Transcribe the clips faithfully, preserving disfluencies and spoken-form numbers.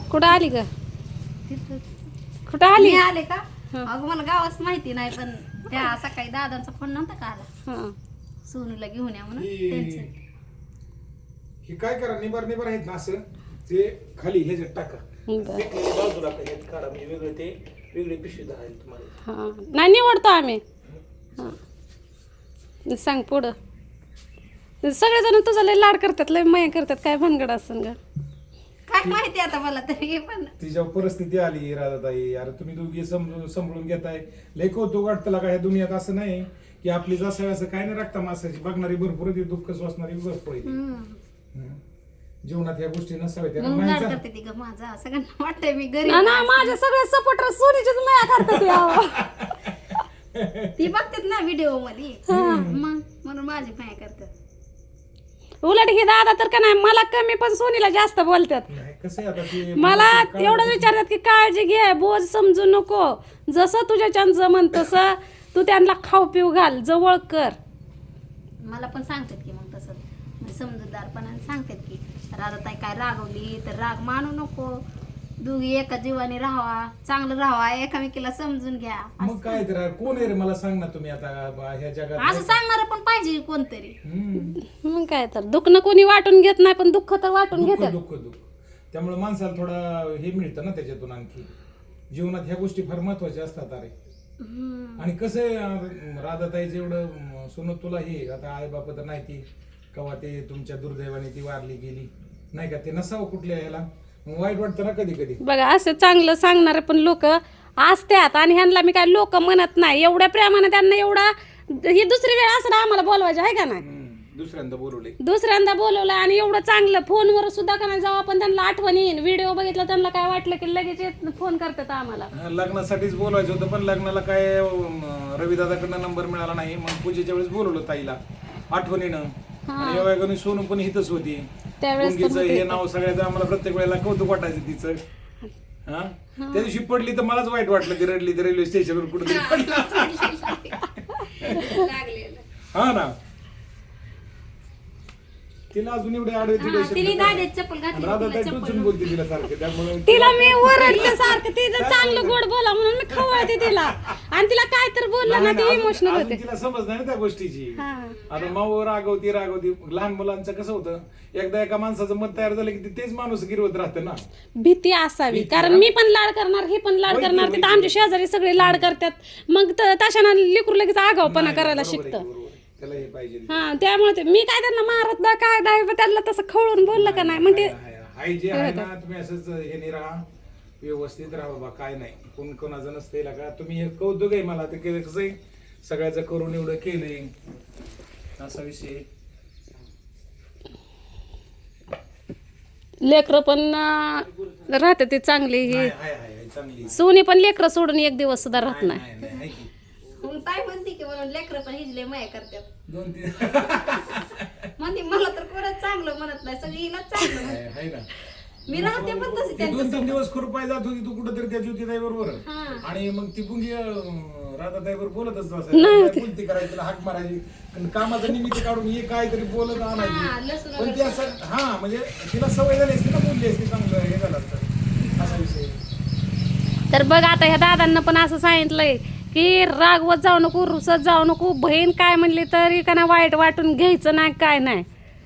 कुठं आली ग? तिथंच. कुठं आली? मी आले का अगं मला गावाच माहिती नाही पण त्या सकाळी दादांचा फोन नव्हता का आला हा. सोनूला घेऊन या म्हणून ही त्यांचं ही काय करा निबार निबार आहेत ना असं ते खाली ह्याच्यात टाका बरं. ते बाजूला ह्यात काढा म्हणजे वेगळे ते वेगळे पिशवी धरायला तुम्हाला. हा नाही निवडतो आम्ही. हा सांग पुढं. सगळेजण तुझा लय लाड करतात लय माया करतात काय भानगड असं ग? काय माहिती आता मला तरी पण तिच्या परिस्थिती आली राधाताई अरे तुम्ही दोघी समजून सांभाळून घेताय लय कौतुक वाटतं का ह्या दुनियात असं नाही की आपली जसं असं काय नाही राखता माणसाची बघणारी भरपूर आहे दुःख सोसणारी भरपूर आहे. हम्म. जीवनात ह्या गोष्टी नसाव्या त्या म्हणून लाड माणसा- करते ती ग माझा सगळ्यांना वाटतंय मी गरीब ना ना, माझे सगळे सपोर्टर सोनीचीच माया करतात यावं. ती बघतात ना व्हिडिओ मध्ये मग म्हणून माझी माया करतात. उलट हे दादा तर का नाही मला कमी पण सोनीला जास्त बोलतात. नाही, कसं आहे आता ते मला एवढं विचारतात की काळजी घे बोज समजू नको जसं तुझ्या छान जमन तसं तू त्यांना खाऊ पिऊ घाल जवळ कर. मला पण सांगतात की मग तसं म्हणजे समजूतदारपणाने सांगतात की राधाताई काय रागवली तर राग मानू नको दोघी एका जीवाने राहावा चांगलं राहावा एकामेकीला समजून घ्या मग काय तर कोण आहे रे मला सांग ना तुम्ही आता ह्या जगात असं सांगणार पण पाहिजे कोणतरी. हम्म. मग काय तर दुखणं कोणी वाटून घेत नाही पण दुःख तर वाटून दुःख घेतात. दुःख दुःख त्यामुळे माणसाला थोडा हे मिळतं ना त्याच्यातून आणखी जीवनात ह्या गोष्टी फार महत्वाच्या असतात अरे. हम्म. आणि कसं आहे राधाताईचं एवढं सोनं तुला हे आता आई बाप तर नाही ती कवा ते तुमच्या दुर्दैवाने ती वारली गेली नाही का ते नसावं कुठल्या ह्याला मग वाईट वाटतं ना कधी कधी. बघा असं चांगलं सांगणारे पण लोक असतात आणि ह्यांना मी काय लोक म्हणत नाही एवढ्या प्रेमाने त्यांना एवढा ही दुसरी वेळ असं आम्हाला बोलवायचं आहे का नाही. हम्म. दुसऱ्यांदा बोलवले दुसऱ्यांदा बोलवलं आणि एवढं चांगलं फोनवर सुद्धा का नाही जेव्हा आपण त्यांना आठवण येईन व्हिडिओ बघितला त्यांना काय वाटलं की लगेच येत- फोन करतात आम्हाला. लग्नासाठीच बोलवायचं होतं पण लग्नाला काय अं, रविदादाकडनं नंबर मिळाला नाही मग पूजेच्या वेळेस बोलवलं ताईला आठवणीनं आणि योगायोगाने सोनू पण हितच होती त्यावेळेस पण मुंगीचं हे नाव सगळ्याचं आम्हाला प्रत्येक वेळेला कौतुक वाटायचं तिचं. हा त्या दिवशी पडली तर मलाच वाईट वाटलं की रडली तर रेल्वे स्टेशनवर कुठे लागलेलं. हा ना तिला अजून एवढे आडवे तिडे हा, शब्द तिने काय? दाद्यात चप्पल घातली, राधा तिला ताई चप्पल टोचून बोलते तिला सारखं त्यामुळे तिला मी ओरडले सारखं तिचं चांगलं गोड बोला म्हणून मी खवळते तिला आणि तिला काय तर बोललं ना नाही, ती नाही, अजून- इमोशनल अजून होते. तिला समज नाही ना त्या गोष्टीची. हा. आता माऊ रागवती रागवती लहान मुलांचं कसं होतं एकदा एका माणसाचं मत तयार झालं की ते तेच माणूस गिरवत राहतं ना. भीती असावी कारण मी पण लाड करणार हे पण लाड होय की, करणार होय तिथं की. आमचे शेजारी सगळे लाड करतात मग त- तशानं लेकरू लगेच आगावपणा नाही, करायला बरोबर आहे, शिकतं. बरोबर आहे. त्याला हे पाहिजे हा त्यामुळे ते मी काय त्यांना मारत ना काय नाही पण त्यांना तसं खवळून बोललं का नाही मग ते हाय- हाय जे आहे ना तुम्ही असंच हे नाही राहा व्यवस्थित राहा बाबा काय नाही कोण कोणाचं नसते का तुम्ही हे कौतुक आहे मला ते केलं कसं आहे सगळ्याचं करून एवढं केलंय असा विषय. लेकरं पण अं, राहते ते चांगली ही हाय हाय हाय चांगली सोनी पण लेकरं सोडून एक दिवस सुद्धा राहत नाही. नाही, नाही, हाय की. मग ताई म्हणते की म्हणून लेकरं पण हिजले माया करतात दोन तीन म्हणते मला तर कोणाच चांगलं म्हणत नाही सगळी हिलाच चांगलं म्हणते. हाय हाय ना मी राहते पण तशी ती त्यांच्या दोन तीन दिवस खुरपाय जात होती तू कुठं तरी त्या ज्योतिताई बरोबर हा. आणि मग ती पुंगी राधाताई बरोबर बोलतच असायची बोलती करायची तिला हाक मारायची आणि कामाचं निमित्त काढून हे काहीतरी बोलत हा, आणायची लसूण पण ती असं हा म्हणजे तिला सवय झाली असती ना बोलली असती चांगलं हे झालं असतं असा विषय. तर बघ आता ह्या दादांना पण असं सांगितलंय की रागवत जाऊ नको रुसत जाऊ नको बहीण काय म्हणली तरी का ना वाईट वाटून घ्यायचं नाही काय नाही.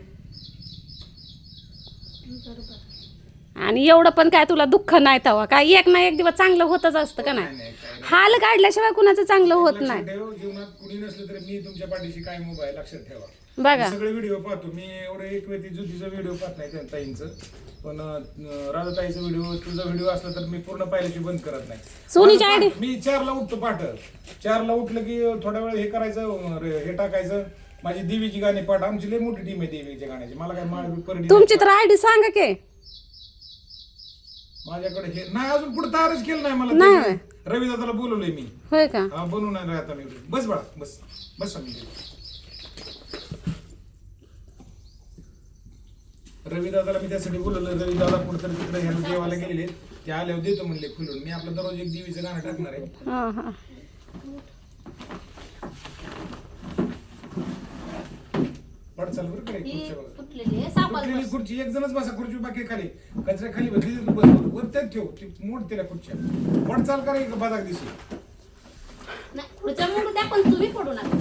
आणि एवढं पण काय तुला दुःख नाही तवा काय एक ना एक दिवस चांगलं होतच असतं का नाही. हाल काढल्याशिवाय कुणाचं चांगलं होत नाही. लक्षात ठेव जीवनात कुणी नसलं तरी मी तुमच्या पाठीशी काय मोबाईल लक्षात ठेवा. बघा मी सगळे व्हिडिओ पाहतो मी एवढं एक व्यक्ती ज्योतीचा व्हिडिओ पाहत नाही त्या ताईंचं पण अं, राधाताईचा व्हिडिओ तुझा व्हिडिओ असला तर मी पूर्ण पाहिल्याची बंद करत नाही. सोनीची माझं आयडी पाठ- मी चारला उठतो पाठ चारला उठलं की थोड्या वेळ हे करायचं अं, रे- हे टाकायचं माझी देवीची गाणी पाठ आमची लई मोठी टीम आहे देवीच्या गाण्याची मला काय माळ परडी तुमची तर आयडी सांगा की माझ्याकडे हे नाही अजून पुढे तयारच केलं नाही मला नाही. ते रविदादाला बोलवलंय मी होय का. हा बनवून नाही आता मी बस बाळा बस बस मी रविदादाला मी त्यासाठी बोलवलं रविदादा कुठेतरी तिकडे ह्याला देवाला गेलेले ते आल्यावर देतो म्हणले खुलून मी आपलं दररोज एक देवीचं गाणं टाकणार आहे. हा हा पड चला चाल बरं का रे, ही खुर्च्या बघा. तुटलेली आहे सापाला तुटलेली बस. खुर्ची एक जणच बसा खुर्ची बाकी खाली कचऱ्या खाली बसली बस वर त्यात ठेव ती मोड तिला खुर्च्या पड चाल करा बदाक दिशी नाही पुढच्या मोडू द्या पण तुम्ही पडू नका